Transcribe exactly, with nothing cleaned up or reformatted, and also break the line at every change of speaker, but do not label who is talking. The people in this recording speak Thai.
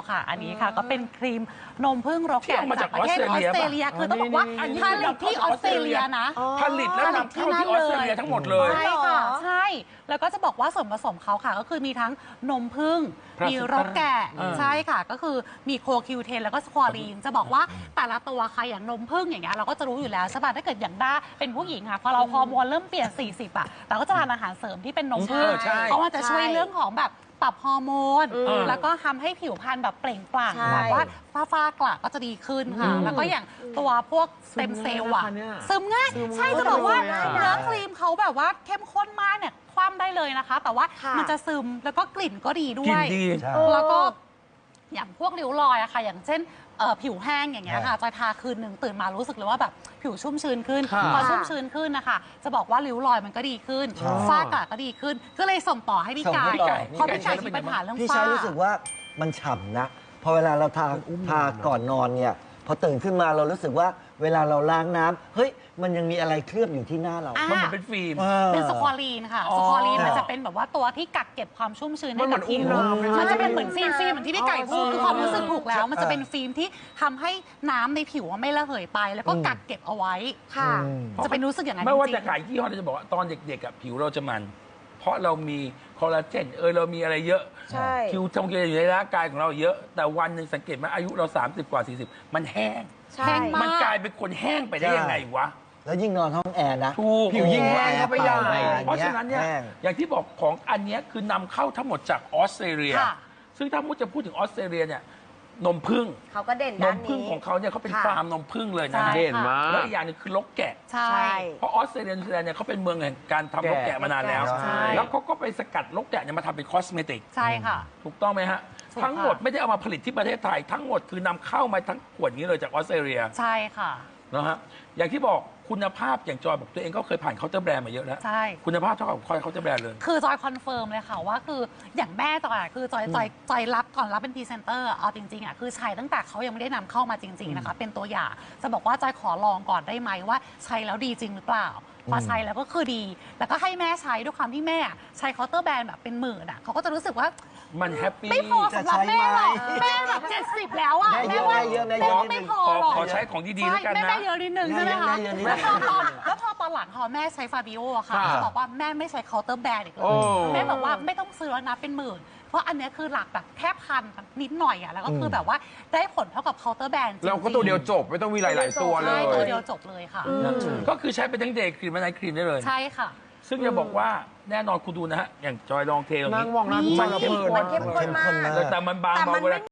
ค่ะอันนี้ค่ะก็เป็นครีมนมผึ้งรกแกะจากประเทศออสเตรเลียคือต้องบอกว่าผลิตที่ออสเตรเลียนะ
ผลิตแล้วนำเข้าที่ออสเตรเลียทั้งหมดเลย
ใช่ค่ะใช่แล้วก็จะบอกว่าส่วนผสมเขาค่ะก็คือมีทั้งนมผึ้งมีรกแกะใช่ค่ะก็คือมีโคคิวเทนแล้วก็สควอรีนจะบอกว่าแต่ละตัวค่ะอย่างนมผึ้งอย่างเงี้ยเราก็จะรู้อยู่แล้วใช่ป่ะถ้าเกิดอย่างด้าเป็นผู้หญิงค่ะพอเราฮอร์โมนเริ่มเปลี่ยนสี่สิบอ่ะแต่ก็จะทานอาหารเสริมที่เป็นนมผึ้งเพราะว่าจะช่วยเรื่องของแบบปรับฮอร์โมนแล้วก็ทำให้ผิวพรรณแบบเปล่งปลั่งแบบว่าฝ้าฝ้ากระก็จะดีขึ้นค่ะแล้วก็อย่างตัวพวกสเต็มเซลล์อะซึมง่ายใช่จะบอกว่าเนื้อครีมเขาแบบว่าเข้มข้นมากเนี่ยคว่ำได้เลยนะคะแต่ว่ามันจะซึมแล้วก็กลิ่นก็ดีด้วยแล้วก็อย่างพวกริ้วรอยอะค่ะอย่างเช่นผิวแห้งอย่างเงี้ยค่ะจอยทาคืนหนึ่งตื่นมารู้สึกเลยว่าแบบผิวชุ่มชื้นขึ้นพอชุ่มชื้นขึ้นนะคะจะบอกว่าริ้วรอยมันก็ดีขึ้นฝ้ากระก็ดีขึ้นก็เลยส่งต่อให้พี่ไก่เพราะพี่ไก่มีปัญหาเรื่องฝ้า
พี่ใช้รู้สึกว่ามันฉ่ำนะพอเวลาเราทาทาก่อนนอนเนี่ยพอตื่นขึ้นมาเรารู้สึกว่าเวลาเราล้างน้ำเฮ้ยมันยังมีอะไรเคลือบอยู่ที่หน้าเรา
มันเหมือนเป็นฟิล์ม
เป็นสควอรีนค่ะสควอรีนมันจะเป็นแบบว่าตัวที่กักเก็บความชุ่มชื้นให้กับผิวมันจะเป็นเหมือนฟิล์มฟิล์มเหมือนที่พี่ไก่พูดคือความรู้สึกถูกแล้วมันจะเป็นฟิล์มที่ทำให้น้ำในผิวไม่ระเหยไปแล้วก็กักเก็บเอาไว้ค่ะจะเป็นรู้สึกอย่างนั้น
ไม่ว่าจะขายยี่ห้อจะบอกว่าตอนเด็กๆผิวเราจะมันเพราะเรามีคอลลาเจนเออเรามีอะไรเยอะผิวทำเกลืออยู่ในร่างกายของเราเยอะแต่วันหนึ่งสังเกตไหมอายุเราสามสิบกว่าสี่สิบมันแห้ง
แห้งมาก
มันกลายเป็นคนแห้งไปได้ยังไงวะ
แล้วยิ่งนอนห้องแอร์นะ
ผิวยิ่ง
แห้ง
ไปใหญ่เพราะฉะนั้นเนี่ยอย่างที่บอกของอันนี้คือนำเข้าทั้งหมดจากออสเตรเลียซึ่งถ้ามุดจะพูดถึงออสเตรเลียเนี่ยนมผึ้ง
เขาก็เด่น
นมผึ้งของเขาเนี่ยเขาเป็นฟาร์มนมผึ้งเลยนะ
เด่น
มากแล้วอีกอย่างนึงคือลกแกะ
ใช่
เพราะออสเตรเลียนิวซีแลนด์เนี่ยเขาเป็นเมืองแห่งการทำลกแกะมานานแล้วแล้วเขาก็ไปสกัดลกแกะเนี่ยมาทำเป็นคอสเมติก
ใช่ค่ะ
ถูกต้องไหมฮะทั้งหมดไม่ได้เอามาผลิตที่ประเทศไทยทั้งหมดคือนำเข้ามาทั้งขวดนี้เลยจากออสเตรเลีย
ใช่ค่ะ
นะฮะอย่างที่บอกคุณภาพอย่างจอยบอกตัวเองก็เคยผ่านเคาน์เตอร์แบรนด์มาเยอะแล้ว
ใช่
คุณภาพเท่ากับคอยเคาน์เตอร์แบรนด์เลย
คือจอยคอนเฟิร์มเลยค่ะว่าคืออย่างแม่จอยคือจอยจอยจอยรับก่อนรับเป็นพรีเซนเตอร์เอาจริงๆอ่ะคือใช้ตั้งแต่เขายังไม่ได้นำเข้ามาจริงๆนะคะเป็นตัวอย่างจะบอกว่าจอยขอลองก่อนได้ไหมว่าใช้แล้วดีจริงหรือเปล่าพอใช้แล้วก็คือดีแล้วก็ให้แม่ใช้ด้วยความที่แม่ใช้เคาน์เตอร์แบรนด์แบบเป็นหมื่นอ่ะเขาก็จะรู้สึกว่า
มันแฮปปี้
ไม่พอสำหรับแม่หรอกแม่แบบเจ็ดสิบแล้วอ่ะแม่ว่าแม่ไม่พอหรอก
ขอใช้ของดีๆแล้วกันนะ
แม่เยอะนิดนึงใช่ไหมคะแล้วพอตอนแล้วพอตอนหลังพอแม่ใช้ฟาบิโออะค่ะบอกว่าแม่ไม่ใช้เคาน์เตอร์แบรนด์อีกเลยแม่บอกว่าไม่ต้องซื้อแล้วนะเป็นหมื่นเพราะอันนี้คือหลักแบบแค่พันนิดหน่อยอ่ะแล้วก็คือแบบว่าได้ผลเท่ากับเคาน์เตอร์แบรนด์
เราก็ตัวเดียวจบไม่ต้องมีหลายๆตัวเลย
ตัวเดียวจบเลยค่ะ
ก็คือใช้เป็นทั้งเดย์ครีมและไนท์ครีมได้เลย
ใช่ค่ะ
ซึ่งจะบอกว่าแน่นอนคุณดูนะฮะอย่างจอยลองเทล
นั่งมองหน้า
มันเข้มข้น
เข้มข้นมาก
แต่มันบางเบาเวลา